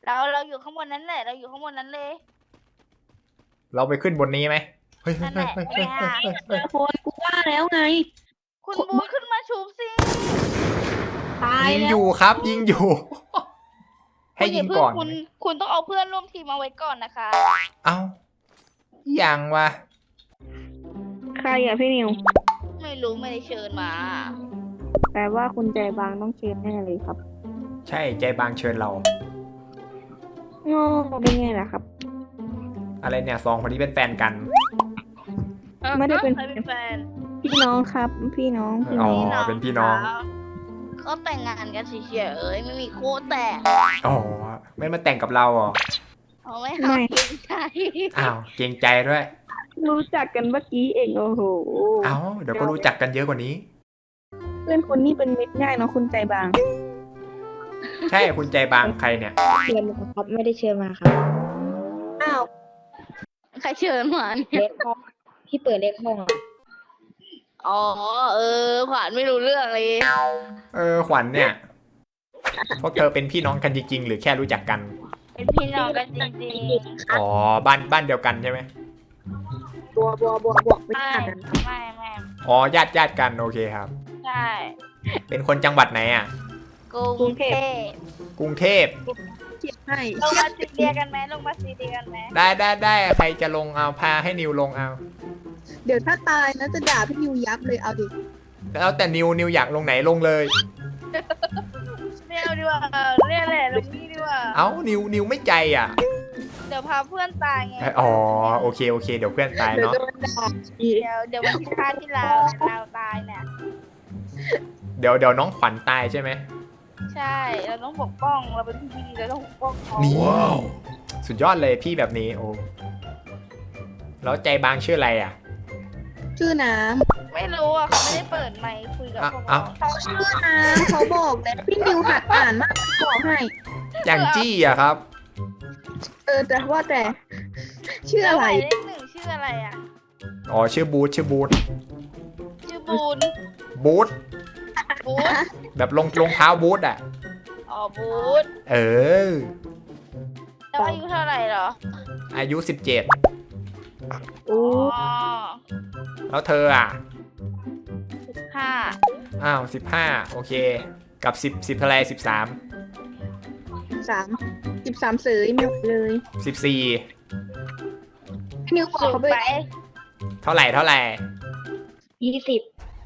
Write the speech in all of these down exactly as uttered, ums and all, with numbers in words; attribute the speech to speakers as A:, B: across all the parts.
A: เราเราอยู่ข้างบนนั้นแหละเราอยู่ข้างบนนั้นเลย
B: เราไปขึ้นบนนี้ไหมเฮ้ยเฮ้
A: นั่
B: ย
A: นแห
B: เฮ้ย
A: ละ
B: เฮ้ย
A: ไป
B: เฮ้ย
A: หา
B: เฮ้ยเฮ้ย
C: คนกูว่าแล้วไง
A: คุณบูธขึ้นมาชูบสิ
C: ตาย
B: ยิง
C: แล้
B: อ
C: ว
B: ยู่ครับ ยิงอยู่ ให้
A: คุณอ
B: ยิ
A: ย่าง เพิ่
B: ก่อน
A: คุณคุณต้องเอาเพื่อนร่วมทีมมาไว้ก่อนนะคะ
B: เอ้ายังวะ
C: ใครอ่ะพี่นิว
A: ไม่รู้ไม่ได้เชิญมา
C: แปลว่าคุณใจบางต้องเชิญแน่เลยครับ
B: ใช่ใจบางเชิญเรา
C: โง่ได้ไงล่ะครับ
B: อะไรเนี่ยสองคนนี้เป็นแฟนกัน
C: ไม่ได้เป็น
A: ใครเป็นแฟน
C: พี่น้องครับ พี่น้องพี่
B: อ๋
C: น้
B: อ
C: อง
B: เป็นพี่น้อง
A: เขาแต่งงานกันเฉยๆไม่มีคู่แต่ง
B: อ๋อไม่มาแต่งกับเราเหรอ
A: เอาไม่เอาเกรงใจ
B: อ้าวเกรงใจด้วย
C: รู้จักกันเมื่อกี้เองโอ้โห
B: เอ้าเดี๋ยวก็รู้จักกันเยอะกว่านี้
C: เพื่อนคนนี้เป็นมิตรง่ายเนาะคุณใจบาง
B: ใช่คุณใจบางใครเนี่ย
D: เชิญมาครับไม่ได้เชิญมาครับ
C: อ้าว
A: ใครเชิญมาเนี่ย
D: เล็กห้องที่เปิดเล็กห้องอะ
A: อ๋อเออขวัญไม่รู้เรื่องเลย
B: เออขวัญเนี่ย พวกเธอเป็นพี่น้องกันจริงๆหรือแค่รู้จักกัน
A: เป็นพี่น้องกันจริง
B: อ๋อบ้านบ้านเดียวกันใช่ไหม
C: บัวบัวบัวบวก
A: ๆ
C: ไม่
A: ไม่
C: ขาดกัน
A: ไม่ไม่
B: อ๋อญาติญาติกันโอเคครับ
A: ใช่
B: เป็นคนจังหวัดไหนอ่ะ
A: กรุงเทพ
B: กรุงเทพ
C: เทียบให้
A: ลงมาซีเรียกันไหมลงมาซีเรียกันไหม
B: ได้ได้ได้ใครจะลงเอาพาให้นิวลงเอา
C: เดี๋ยวถ้าตายนะจะด่าพี่นิวยับเลยเอาดิ
B: แล้วแต่นิวนิวอยากลงไหนลงเลย
A: เรียกดีกว่าเรียกแหละลงนี่ดีกว่า
B: เอ้านิวนิวไม่ใจอ่ะ
A: เดี๋ยวพาเพื่อนตายไง
B: อ๋อโอเคโอเคเดี๋ยวเพื่อนตาย
C: เดี๋ยว
B: เนาะ
C: โดนด่าอีก
A: เดี๋ยวเดี๋ยววันที่ฆ่าที่เราเราตายเนี่ย
B: เดี๋ยวเดี๋ยวน้องขวัญตายใช่ไหม
A: ใช่เราต้องปกป้องเราเป็นพี่ดีเราต้องปกป้องเขา
B: นี่สุดยอดเลยพี่แบบนี้โอ้แล้วใจบางชื่ออะไรอ่ะ
C: ชื่อน้
A: ไม่รู้อ่ะเขาไม่ได้เปิดไมค์คุยกับพวก
B: เอ้า
A: เรา
C: ำเขาชื่อน้ำเขาบอกแล้วพี่นิวหัดอ่านมากบอกให้
B: อย่างจี้อ่ะครับ
C: เออแต่ว่าแต่ ชื่อ
A: แล้ว
C: อะ
A: ห
C: ไร
A: มายเลขหนึ่งชื่ออะไรอ่ะ
B: อ๋อชื่อบูธชื่อบูธ
A: ชื่อบูน
B: บูธ
A: บูธ
B: แบบรองรองเท้าบูธอ่ะ
A: อ๋อบูธ
B: เออ
A: แล้วอายุเท่าไหร่เหรอ
B: อายุสิบเจ็ด
C: โอ้
A: อ๋อ
B: แล้วเธออ่ะ
A: สิบห้า
B: อ้าวสิบห้าโอเค กับสิบสิบเท่าไรสิบสาม
C: สามสิบสามเสยไม่ไหวเลย
B: สิบสี่
C: พี่นิวบอก
A: สู
C: เขา
A: ง
C: ไป
A: ไป
B: เท่าไหร่เท่าไหร่
D: ยี่สิบ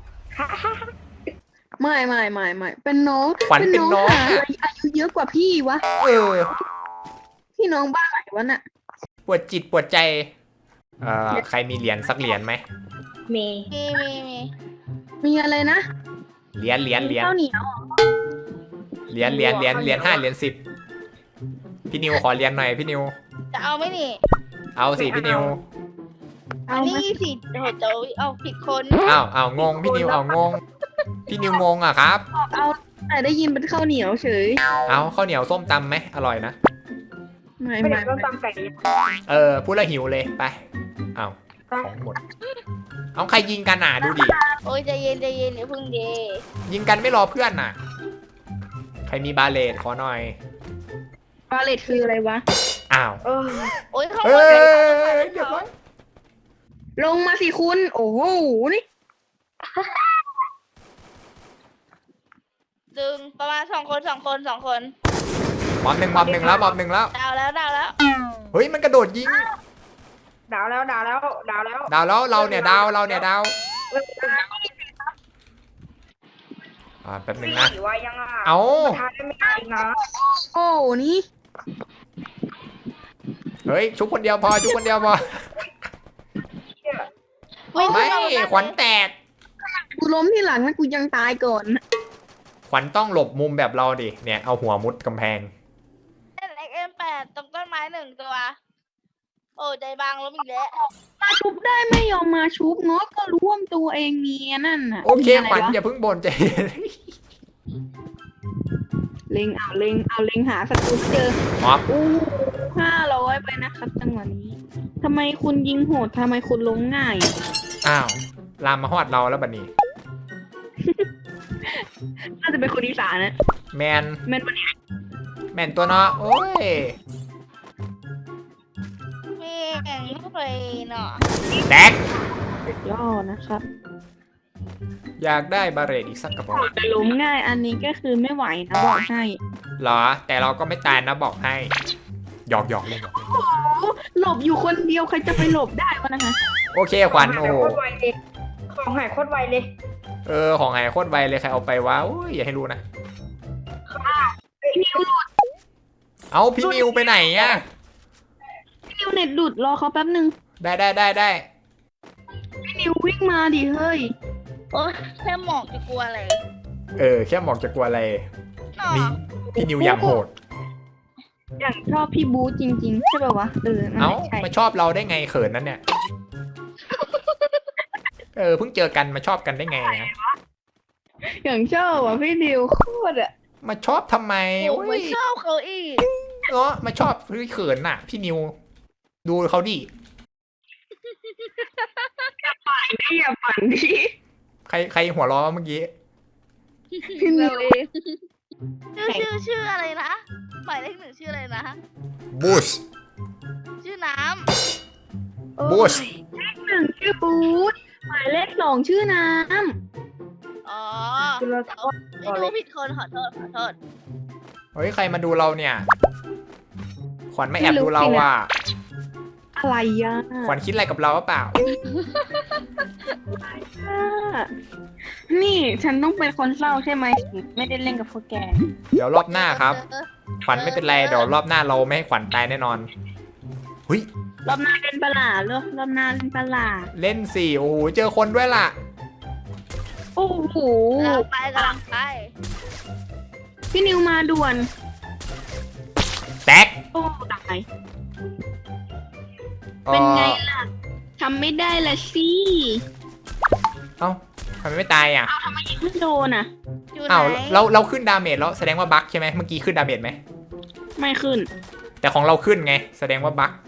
C: ไม่ไม่ไม่ไม่เป็นน้อง
B: ขวัญเป็นน้อง
C: หาอะไรอายุเยอะกว่าพี่วะ
B: เออ
C: พี่น้องบ้าไหนวะน่ะ
B: ปวดจิตปวดใจ เอ่อ ใครมีเหรียญสักเหรียญไหม
D: เม
A: มีมีมี
C: มีอะไรนะ
B: เหรียญเหรียญเหรียญ
C: ข้าวเหนียว
B: เหรียญเหรียญเหรียญเหรียญห้าเหรียญสิบพี่นิวขอเหรียญหน่อยพี่นิว
A: จะเอาไหมนี่
B: เอาสิพี่นิว
A: อั
C: เอา
A: น
C: ไหม
A: นี้สิโอ้โหเจ้าเอาผิดคน
B: อ้าวอ้าวงงพี่นิวเอางง พี่นิวงงอ่ะครับ
C: เอาแต่ได้ยินเป็นข้าวเหนียวเฉย
B: เอาข้าวเหนียวส้มตำไหมอร่อยนะ
C: ไม่
D: ไม่
C: ไม่
D: ได้ต้อง
C: ไม่
D: ตำไก่
B: เออพูดแล้วหิวเลยไปเอาของหมด เอาใครยิงกันอ่ะดูดิ
A: โอ้ยใจเย็นใจเย็นอย่าเพึ่งเด
B: ยิงกันไม่รอเพื่อนน่ะ ใครมีบาเลตขอหน่อย
C: บาเลตคืออะไรวะ
B: อ้าว
D: เออ
A: โอ้ยข้างบ
B: เอ้
A: น
B: ย
A: เลย
B: เรียบร้อย
C: ลงมาสิคุณ โอ้โห นี่
A: ดึงประมาณสองคนสองคนสองคน
B: มอบหนึ่งมอบหนึ่งแล้วมอบหนึ่งแล้ว
A: ดาวแล้วดาวแล้ว
B: เฮ้ยมันกระโดดยิง
D: ดาวแล้วดาวแล้วดาวแล้ว
B: ดาวแล้วเราเนี่ยดาวเราเนี่ยดาวอ่าแป๊บหนึ่งนะ
D: สี่ว่ายังอ่ะ
B: เอา
D: ทานได้ไม่ได้อีกนะ
C: โอ้นี่
B: เฮ้ยชุบคนเดียวพอชุบคนเดียวพอ
A: วิ่ง
B: ไม่
A: เข้าา
B: ขวัญแตก
C: กูล้มที่หลังนะกูยังตายก่อน
B: ขวัญต้องหลบมุมแบบเราดิเนี่ยเอาหัวมุดกำแพง
A: เล่น เอ็กซ์ เอ็ม แปด ตรงต้นไม้หนึ่งตัว โอ้ใจบางล้มอีกแล้ว
C: มาชุบได้ไม่ยอมมาชุบเนาะก็ร่วมตัวเองเมียนั่นน่ะ
B: โอเค
C: มีะไร
B: ขวัญ
C: วะ
B: อย่าเพิ่งบ่นใจเย็น
C: เล็งเอาเล็งเอาเล็งหาศัตรูเจอ
B: มอบ
C: อู้ห้าร้อยไปนะครับจังหวะนี้ทำไมคุณยิงโหดทำไมคุณล้มง่าย
B: อ้าวลามมาฮอดเราแล้วบัดนี้
C: น่าจะเป็นคนอีสานนะ
B: แมน
C: แม่นปะเนี่ย
B: แม่นตัวเนาะโอ้ย
A: แม่งไม่เลยเนาะ
B: แตก
C: สุดยอดนะครับ
B: อยากได้บาเรตอีกสักกระบอก
C: แต่ล้มง่ายอันนี้ก็คือไม่ไหวนะบอกให้
B: เหรอ แต่เราก็ไม่ตายนะบอกให้หยอกหยอกเล่นหยอกเล่น
C: โอ้โหหลบอยู่คนเดียวใครจะไปหลบได้วะนะคะ
B: โอเคขวัญโอ้โห
D: โคตรไวเลยของหายโคตรไวเลย
B: เออของหายโคตรไวเลยใครเอาไปวะอุ้ยอย่าให้รู้นะ
C: พี่นิวหลุด
B: เอาพี่นิวไปไหนอะ
C: พี่นิวเน็ตหลุดรอเขาแป๊บนึง
B: ได้ได้ได้ได้
C: พี่นิววิ่งมาดิเฮ้ย
A: โอ้ยแค่หมอกจะกลัวอะไร
B: เออแค่หมอกจะกลัวอะไร
A: เนาะ
B: นี่พี่นิวอย่างโหด
C: อย่างชอบพี่บูจริงๆใช่ป่าวะเออนั่น
B: เอ้า
C: แหละใช่
B: มาชอบเราได้ไงเขินนั้นเนี่ย เออเพิ่งเจอกันมาชอบกันได้ไงนะ
C: อย่างชอบอ่ะพี่นิวโคตรอ่ะ
B: มาชอบทำไม
A: โอ้
B: โอ้
A: ไม่
B: ย
A: ชอบเขาอีก
B: เนาะมาชอบเฮ้ยเขินน่ะ พี่นิว ดูเขาดิ
C: พี่อย่าฝันดิ
B: ใครใครหัวเราะเมื่อกี้
C: พี่นิ
A: เรา
C: ว
A: เองชื่อชื่อชื่ออะไรนะหมายเลขหนึ่งชื่ออะไรนะ
B: บูช
A: ชื่อน้
B: บูช
C: เลขหนึ่งชื่อบูธหมายเลขสองชื่อน้
A: ำอ๋อ
D: คือเรา
A: ไม่รู้ผิดคนขอโทษขอโทษ
B: เฮ้ยใครมาดูเราเนี่ย ขวัญไม่แอบดูเราอ่ะ
C: ำอะไรอ่ะ
B: ขวัญคิดอะไรกับเราหรือเปล่า
C: นี่ฉันต้องเป็นคนเศร้าใช่ไหมไม่ได้เล่นกับพวกแก
B: เดี๋ยวรอบหน้าครับ
A: เออ
B: ขวัญไม่เป็นไรเดี๋ยวรอบหน้าเราไม่ให้ขวัญตายแน่นอนหุย
C: รอบหน้าเล่นปลาหลาเหรอรอบหน้าเล่นปลาหลา
B: เล่นสี่โอ้โหเจอคนด้วยล่ะ
C: โอ้โห
A: กำลังไปกำลังไป
C: พี่นิวมาด่วน
B: แตก
C: โอ้ตาย
B: อ่อ
C: เป็นไงล่ะทำไม่ได้ละสิ
B: เอ้าทำไมไม่ตายอ่ะ
C: เอาทำไมยิงไม่โดนอ่ะ
A: อยู่ไหน
B: เอ้าเราเราขึ้นดาเมจแล้วแสดงว่าบั๊กใช่ไหมเมื่อกี้ขึ้นดาเมจไหม
C: ไม่ขึ้น
B: แต่ของเราขึ้นไง แสดงว่าบั๊ก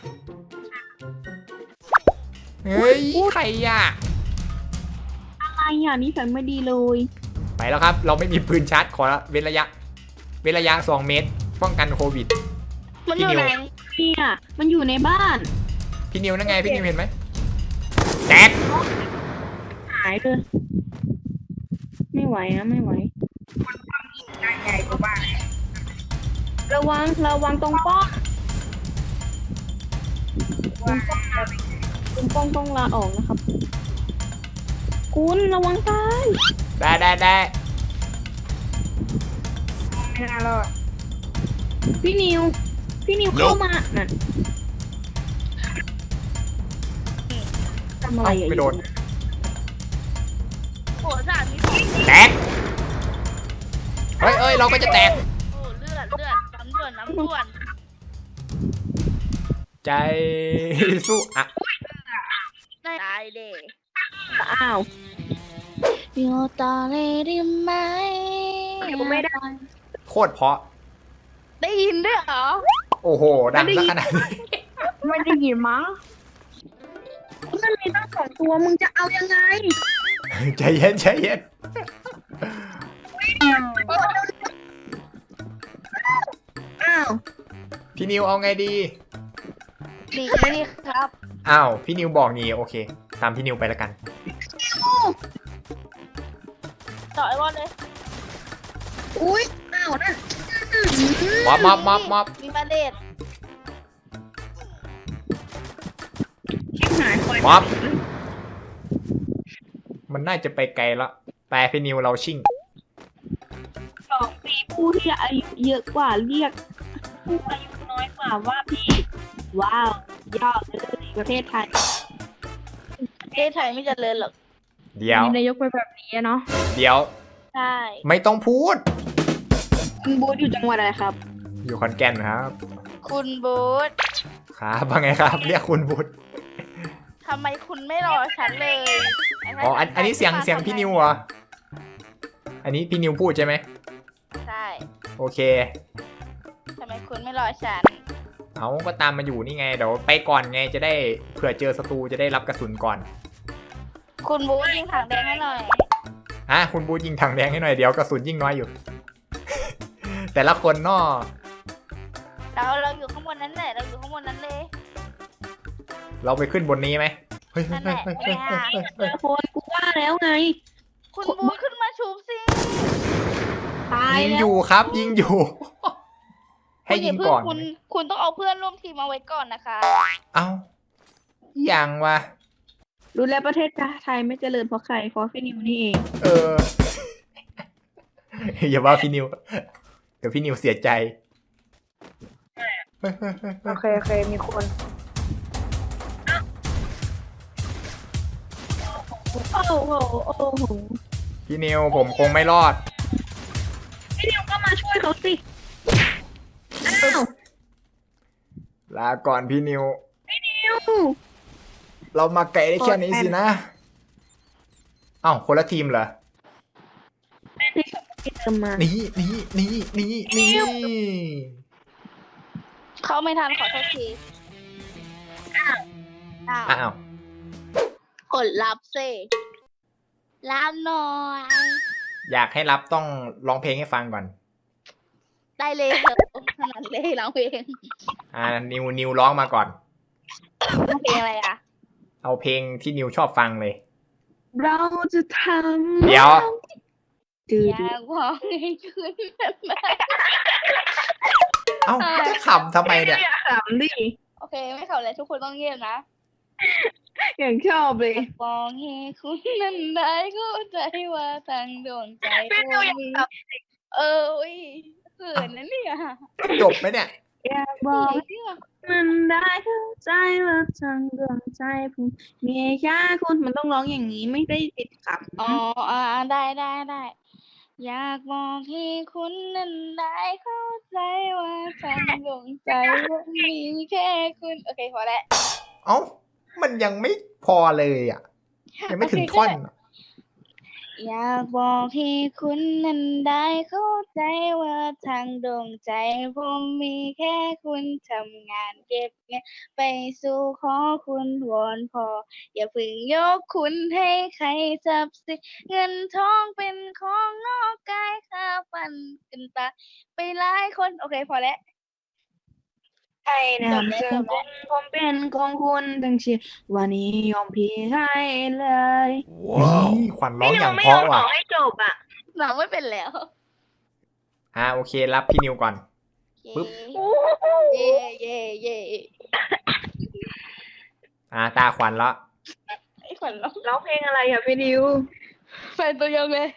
B: เฮ้ยใครอ่ะ
C: อะไรอ่ะนี่ฉันไม่ดีเลย
B: ไปแล้วครับ เราไม่มีปืนชาร์จขอเว้นระยะ เว้นระยะสองเมตร ป้องกันโควิด
A: มันอยู่ไหน
C: เนี่ยมันอยู่ในบ้าน
B: พี่นิวนั่นไงพี่นิวเห็นไหมแตก
C: หายเลยไม่ไหวนะไม่ไหว
D: ได้ใหญ่กว่าบ้าน
C: ระวังระวังตรงป้อง
D: ว่า
C: ตรงป้องต้องลาออกนะครับ คุณระวังตาย
B: ได้ได้ได้
D: ไม่น่ารอด
C: พี่นิว พี่นิวเข้ามานั่นทำอะไร
B: เอ้า
C: อ่ะ
B: ไม่โดน
A: โอ้สามมี
B: แตก เฮ้ยเอ้ยเราก็จะแตก
A: โอ้เลือดเลือดน้ำด่วนน้ำด่วน
B: ใจสู้อ่ะ
A: ได้ตายเด็ก
C: อ้าว
A: โยตาเลได้ไหม
C: ไม่ได้
B: โคตรเพราะ
A: ได้ยินด้วยเหรอ
B: โอ้โห ดังซะขนาดนี้
D: ไม่ได้ยินมั้ง
C: มันมีตั้งสองตัวมึงจะเอายังไง
B: ใจเย็นใจเย็น
C: อ้าว
B: พี่นิวเอาไงดี
A: นี่นี่ครับ
B: อ้าว พี่นิวบอกงี้โอเค ตามพี่นิวไปแล้วกัน
A: ต่อไอ้บอลเลย
C: อุ้ยอ้าวนั่น
B: ม็อบม็อบม็อบม็อบ
A: มีบาเลต
C: ชิบหายปล่อย
B: ม็อบ มันน่าจะไปไกลแล้วไปพี่นิวเราชิ่ง
C: สองปีผู้ที่อายุเยอะกว่าเรียก ผู้อายุน้อยกว่าว่าพี่ ว้าวยอดเลยประเทศไทย
A: ประเทศไทยไม่เจริญหรอก
B: เดี๋ยว
D: มีนายกไปแบบนี้เนาะ
B: เดี๋ยว
A: ใช่
B: ไม่ต้องพูด
C: คุณบูธอยู่จังหวัดอะไรครับ
B: อยู่ขอนแก่นครับ
A: คุณบูธ
B: ครับว่าไงครับ เรียกคุณบุตร
A: ทำไมคุณไม่รอฉันเลย
B: อ๋ออันอันนี้เสียงเสียงพี่นิวเหรอ อันนี้พี่นิวพูดใช่ไหม
A: ใช่
B: โอเค
A: ทำไมคุณไม่รอฉัน
B: เอาก็ตามมาอยู่นี่ไง เดี๋ยวไปก่อนไงจะได้เผื่อเจอศัตรูจะได้รับกระสุนก่อน
A: คุณบูธยิงถังแดงให้หน่อย
B: อ่ะคุณบูยิงถังแดงให้หน่อยเดี๋ยวกระสุนยิ่งน้อยอยู่ แต่แต่ละคนเนาะ
A: เราเราอยู่ข้างบนนั้นแหละเราอยู่ข้างบนนั้นเลย
B: เราไปขึ้นบนนี้ไหมเฮ้ย
A: นั่นแหละ
B: เฮ้ยเฮ้ยเฮ้ยเฮ้ย
C: เจอคนกูว่าแล้วไง
A: คุณบูขึ้นมาชุบสิ
C: ตาย
B: ยิง
C: แล้
B: อ
C: ว
B: ยู่ครับ ยิงอยู่ ให้
A: คุณอ
B: ยิ
A: ย่าง เพิ่
B: ก่อน
A: คุณคุณต้องเอาเพื่อนร่วมทีมมาไว้ก่อนนะคะ
B: เอ้ายังวะ
C: รู้แล้วประเทศไทยไม่เจริญเพราะใครเพราะพี่นิวนี่เอง
B: เออ อย่าว่าพี่นิว เดี๋ยวพี่นิวเสียใจเฮ้ยเฮ้ยเฮ้ยเฮ้ย
D: โอเคโอเคมีคน
C: โอ้โหโอ้โห
B: พี่นิวผมคงไม่รอด
C: พี่นิวก็มาช่วยเขาสิอ้าว
B: ลาก่อนพี่นิว
C: นิว
B: เรามาไกลได้แค่นี้สินะ เอ้าคนละทีมเหรอ
C: แม่ที่ส่งที่เติมมา
B: นี่นี่นี่นี่นี่
A: เขาไม่ทันขอโทษทีอ้าว
B: อ้าว
A: กดรับสิรับหน่อย
B: อยากให้รับต้องร้องเพลงให้ฟังก่อน
A: ได้เลยเถอะขนาดเลยร้องเพลง
B: อ่า นิวนิวร้องมาก่อน
A: ร้องเพลงอะไรอ่ะ
B: เอาเพลงที่นิวชอบฟังเลย
C: เราจะทำ
B: เดี๋ยว
C: ดู
A: อ
C: ดู
A: ยากบอกให้คุณแบบนั้น
B: เอ้าจะขำทำไมเนี่ย
C: อย่าขำดิ
A: โอเคไม่เขาเลยทุกคนต้องเงียบนะ
C: อย่างชอบเลย
A: บอกให้คุณนั้นได้เข้าใจว่าทางดวงใจคุณมีเอออุ้ยเขินนะเนี่ย
B: จบไหมเนี่ย
C: อยากบอกให้มันได้เข้าใจว่าทางดวงใจผมมีแค่คุณมันต้องร้องอย่างนี้ไม่ได้ติดขับ
A: อ๋ออ่าได้ได้ได้อยากบอกให้คุณนั้นได้เข้าใจว่าทางดวงใจว่ามีแค่คุณโอเคพอแล้ว
B: เอ้า มันยังไม่พอเลยอ่ะ ยังไม่ถึงท่อนอะ
A: อยากบอกให้คุณนั้นได้เข้าใจว่าทางดวงใจผมมีแค่คุณทำงานเก็บเงินไปสู่ขอคุณวอนพอ อย่าเพึ่งยกคุณให้ใครจับสิเงินทองเป็นของนอกกายค่าฟันกันตาไปหลายคนโอเคพอแล้ว
C: ใช่นะเจอคุณผมเป็นของคุณทั้งชีวิตวันนี้ยอมพี่ให้เลย
B: นี่ขวัญร้องอย่างเพราะว่ะ
C: ให้จบอ่ะ
A: หนังไม่เป็นแล้ว
B: อ่าโอเครับพี่นิวก่อน ปึ๊บ
A: เย่เย่เย่
B: อ่าตาขวัญละ
A: ไอ้ขวัญร้อง
C: ร้องเพลงอะไรอ่ะพี่ดิว
A: แฟนตัวยงเลย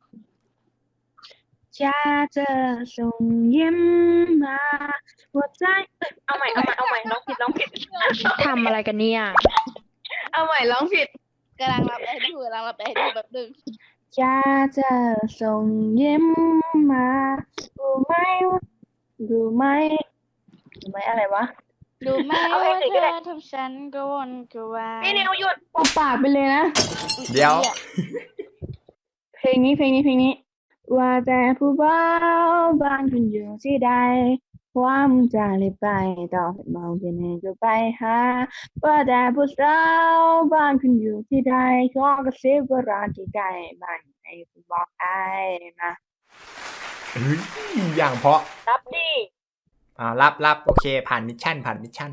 C: จะเจอส่งยิ้มมาหัวใจเอ้ยเอาใหม่เอาใหม่เอาใหม่ร้องผิดร้องผิด
D: ทำอะไรกันเนี่ย
C: เอาใหม่ร้องผิด
A: กำลังรับไอ้ดูกำลังรับไอ้ดูแบบดึง
C: จะเจอส่งยิ้มมารู้ไหมว่ารู้ไหมรู้ไหมอะไรวะ
A: ดูไหม
C: เอา
A: ว่า
C: เพลง
A: เธ
C: อื่นก็ได้
A: อทำฉันก็วนก็วาย
C: พี่นิวหยุดปปากไปเลยนะ
B: เดี๋ยว
C: เพลงนี้เพลงนี้เพลงนี้ ว่าแต่ผู้บ่าวบ้านคุณอยู่ที่ใดความจะรีบไปต่อให้มองที่ไหนก็ไปหาว่าแต่ผู้สาวบ้านคุณอยู่ที่ใดขอกระซิบว่าร้านที่ใกล้บ้านไหนคุณบอกไอ้มา
B: เฮ้ยอย่างเพราะ
C: รับดิ
B: อ่ารับรับโอเค ผ่านมิชชั่น ผ่านมิชชั่น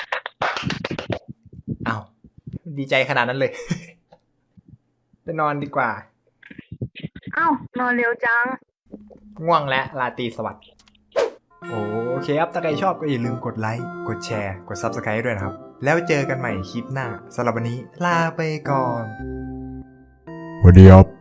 B: อ้าวดีใจขนาดนั้นเลย ไปนอนดีกว่า
C: เอ้านอนเร็วจัง
B: ง่วงและราตรีสวัสดิ์โอเคครับ ถ้าใครชอบก็อย่าลืมกดไลค์ กดแชร์ กด ซับสไครบ์ ด้วยนะครับ แล้วเจอกันใหม่คลิปหน้าสำหรับวันนี้ลาไปก่อน
E: สวัสดีครับ